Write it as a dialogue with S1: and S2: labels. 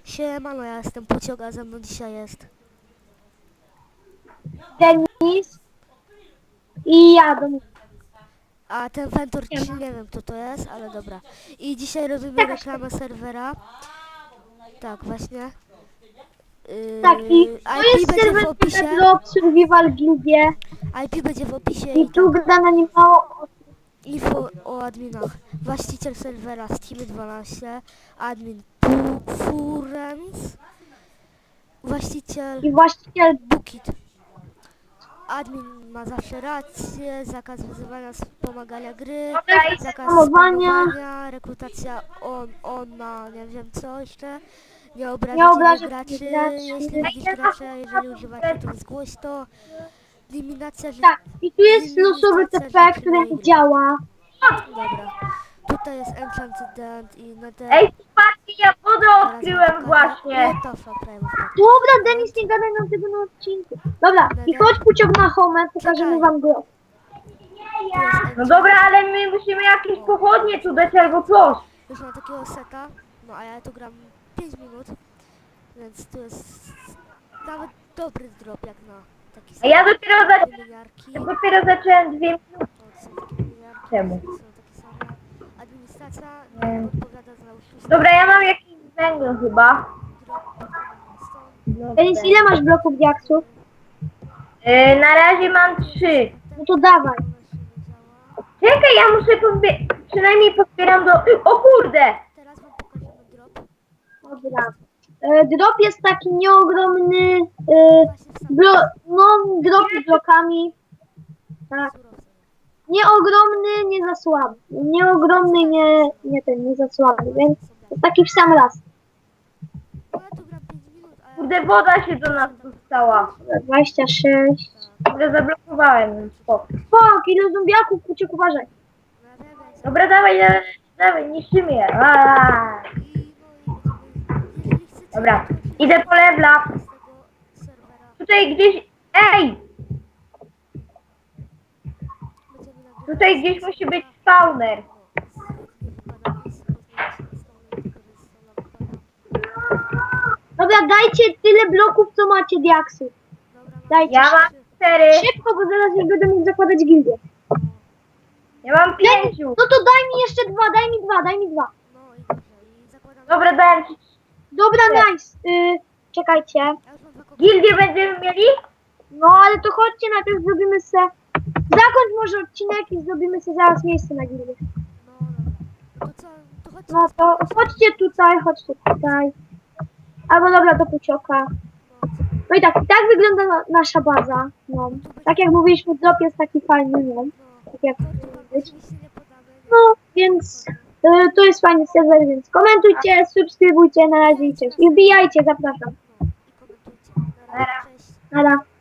S1: Siemano, ja jestem Puciok, a ze mną dzisiaj jest.
S2: Denis i ja do
S1: A ten Ventur,
S2: nie
S1: czy
S2: ma.
S1: nie wiem kto to jest, ale dobra. I dzisiaj robimy
S2: Jakaś
S1: reklamę serwera. Tak, właśnie.
S2: taki. To
S1: IP
S2: jest
S1: będzie w
S2: serwer
S1: opisie.
S2: Bedrock Survival Gildie
S1: IP będzie w opisie
S2: i
S1: i
S2: tu
S1: tak.
S2: gra na nim mało.
S1: Info o adminach. Właściciel serwera Steamy12, admin Furens, właściciel
S2: I właściciel
S1: Bukit. Admin ma zawsze rację, zakaz wyzywania, wspomagania gry, zakaz
S2: spamowania,
S1: spamowania, rekrutacja ona, nie wiem co jeszcze, nie
S2: nie
S1: obrażać innych
S2: obrażać
S1: graczy, jeśli
S2: graczy.
S1: widzisz gracza, jeżeli używacie to zgłoś to, eliminacja,
S2: Tak, i tu jest losowy
S1: limitacja
S2: TP,
S1: rzeczy
S2: który
S1: mojej
S2: nie
S1: gry.
S2: działa.
S1: Dobra, tutaj jest Enchanted i Nether,
S3: Ej, chłopaki, ja wodę
S1: teraz wam
S3: odkryłem
S1: pokażę.
S3: właśnie.
S1: What the fuck, prawie wpadł.
S2: Dobra, Denis, nie gadaj nam tego na odcinku. Dobra, i
S1: Nether.
S2: chodź Puciok na home, pokażemy
S1: Czekaj.
S2: wam go.
S1: Tu jest
S3: No
S1: enchant.
S3: dobra, ale my musimy jakieś pochodnie tu dać albo coś.
S1: Już mam takiego seta, no a ja tu gram 5 minut, więc to jest nawet dobry drop jak na taki
S3: A ja dopiero,
S1: wymieniarki.
S3: dopiero zacząłem 2 minuty
S1: O, to są takie wymieniarki,
S3: temu.
S1: są takie same. Administracja
S3: Nie.
S1: odpowiada za oszustwo.
S3: Dobra, ja mam jakiś węgiel chyba.
S1: Drop stąd.
S3: No,
S2: Denis, ile masz bloków diaksów?
S3: Na razie mam 3.
S2: No to dawaj.
S1: Ona się nie działa.
S3: Czekaj, ja muszę przynajmniej pozbieram do... O kurde!
S1: Teraz wam pokażemy drop.
S2: Dobra. Drop jest taki nieogromny,
S1: Właśnie w samym
S2: no drop z blokami. Tak.
S1: surowcu.
S2: Nieogromny, nie za słaby. Nieogromny, nie za słaby, więc to taki w sam raz.
S1: No ja tu gram 5 minut, a ja...
S3: Kurde, woda się do nas dostała.
S2: 26.
S3: Kurde, zablokowałem. Spoko.
S2: Fuck, ile zombiaków, Puciek, uważaj.
S1: No ja wiem, jak
S3: Dobra, dawaj, dawaj, dawaj, niszczymy je. Aaaa.
S1: I jeżeli chcecie...
S3: Dobra,
S1: to
S3: idę po lebla.
S1: z tego serwera
S3: Tutaj gdzieś... Ej!
S1: będziemy nagrywać...
S3: Tutaj gdzieś musi być spawner.
S2: Dobra, dajcie tyle bloków, co macie diaksów. Dajcie.
S3: Ja mam 4.
S2: Szybko, bo zaraz już będę mógł zakładać gildię.
S3: Ja mam 5.
S2: No to daj mi jeszcze dwa, daj mi dwa.
S1: No i dobrze, i zakładam...
S3: Dobra, dałem ci.
S2: Dobra, nice. Czekajcie.
S1: Ja już mam dwa
S3: Gildię będziemy mieli?
S2: No ale to chodźcie, najpierw zrobimy se... Zakończ może odcinek i zrobimy se zaraz miejsce na gildię.
S1: No dobra. To co? To chodźcie.
S2: No to chodźcie tutaj. Albo dobra, do Pucioka. No i tak wygląda nasza baza. No. Tak jak mówiliśmy, drop jest taki fajny, no. Tak jak powinien być.
S1: Oczywiście nie podamy.
S2: No, więc to jest fajny serwer, więc komentujcie, subskrybujcie, na razie i cześć. I wbijajcie, zapraszam.
S1: No i komentujcie. Na razie, cześć.
S2: Nara.